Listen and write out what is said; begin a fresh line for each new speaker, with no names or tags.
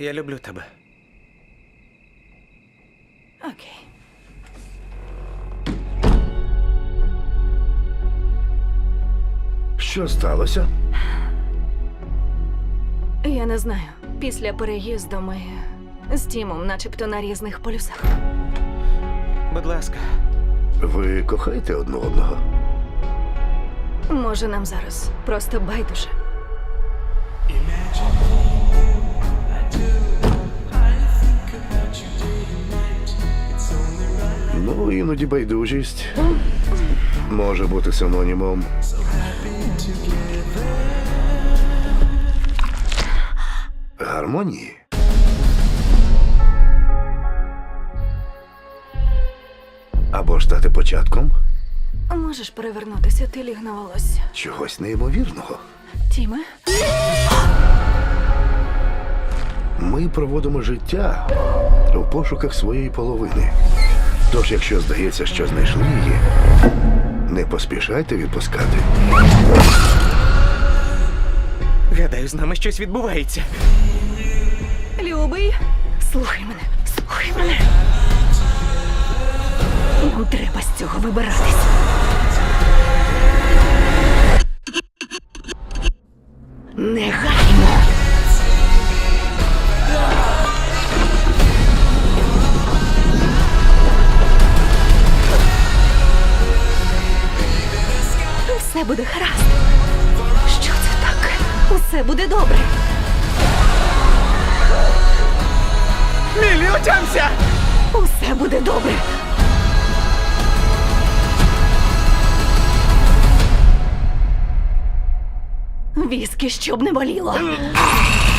Я люблю тебе.
Окей.
Що сталося?
Я не знаю. Після переїзду ми з Тімом начебто на різних полюсах.
Будь ласка.
Ви кохаєте одне одного?
Може, нам зараз просто байдуже.
Ну, іноді байдужість може бути синонімом гармонії. Або ж стати початком
Можеш перевернутися, ти ліг на волосся.
чогось неймовірного.
Тіме?
Ми проводимо життя у пошуках своєї половини. Тож, якщо здається, що знайшли її, не поспішайте відпускати.
Гадаю, з нами щось відбувається.
Любий, слухай мене, слухай мене. Нам треба з цього вибиратись. Негайно. Все буде гаразд. Що це таке? Усе буде добре.
Міллі, отямся!
Усе буде добре. Віскі, щоб не боліло.